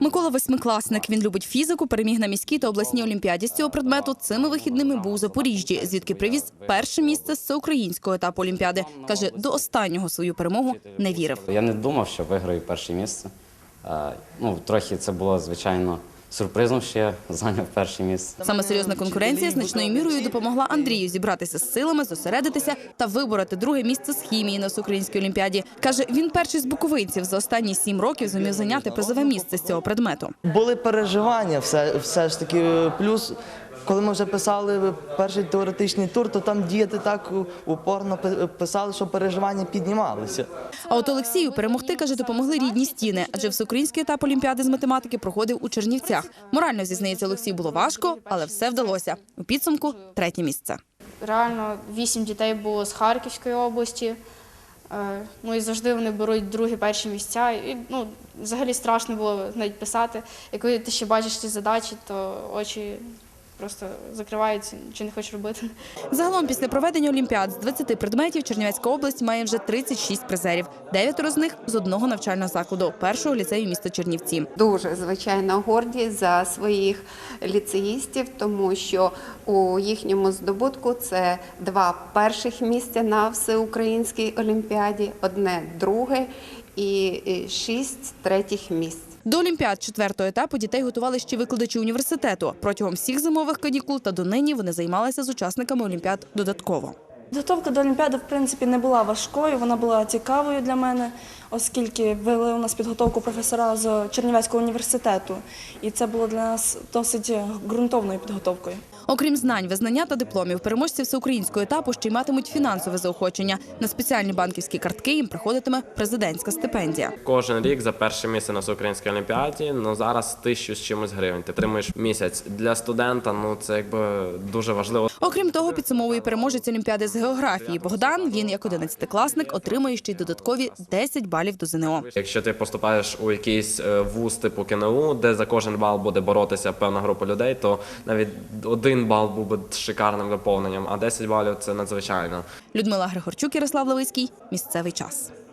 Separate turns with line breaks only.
Микола – восьмикласник. Він любить фізику, переміг на міській та обласній олімпіаді з цього предмету. Цими вихідними був у Запоріжжі, звідки привіз перше місце з всеукраїнського етапу олімпіади. Каже, до останнього свою перемогу не вірив.
Я не думав, що виграю перше місце. Трохи це було, звичайно, сюрпризом, що я зайняв перше місце.
Саме серйозна конкуренція значною мірою допомогла Андрію зібратися з силами, зосередитися та вибороти друге місце з хімії на всеукраїнській олімпіаді. Каже, він перший з буковинців за останні 7 років зумів зайняти призове місце з цього предмету.
Були переживання все ж таки, плюс коли ми вже писали перший теоретичний тур, то там діти так упорно писали, що переживання піднімалися.
А от Олексію перемогти, каже, допомогли рідні стіни, адже всеукраїнський етап олімпіади з математики проходив у Чернівцях. Морально, зізнається Олексій, було важко, але все вдалося. У підсумку – 3-є місце.
Реально 8 дітей було з Харківської області. І завжди вони беруть другі, перші місця. І, взагалі страшно було навіть писати. І коли ти ще бачиш ці задачі, то очі просто закриваються, нічого не хочеш робити.
Загалом після проведення олімпіад з 20 предметів Чернівецька область має вже 36 призерів. 9 з них з одного навчального закладу – першого ліцею міста Чернівці.
Дуже, звичайно, горді за своїх ліцеїстів, тому що у їхньому здобутку це 2 перших місця на всеукраїнській олімпіаді, 1 друге і 6 третіх місць.
До олімпіад 4-го етапу дітей готували ще викладачі університету. Протягом всіх зимових канікул та донині вони займалися з учасниками олімпіад додатково.
Підготовка до олімпіади, в принципі, не була важкою, вона була цікавою для мене, оскільки вели у нас підготовку професора з Чернівецького університету. І це було для нас досить ґрунтовною підготовкою.
Окрім знань, визнання та дипломів, переможці всеукраїнського етапу ще й матимуть фінансове заохочення. На спеціальні банківські картки їм приходитиме президентська стипендія.
Кожен рік за перше місце на всеукраїнській олімпіаді, зараз 1000 з чимось гривень. Ти отримуєш місяць. Для студента, це дуже важливо.
Окрім того, підсумовує переможець олімпіади з географії Богдан. Він, як 11-класник, отримує ще й додаткові 10 балів до ЗНО.
Якщо ти поступаєш у якийсь вуз типу КНУ, де за кожен бал буде боротися певна група людей, то навіть 1 бал був би шикарним доповненням, а 10 балів – це надзвичайно.
Людмила Григорчук, Ярослав Левицький. Місцевий час.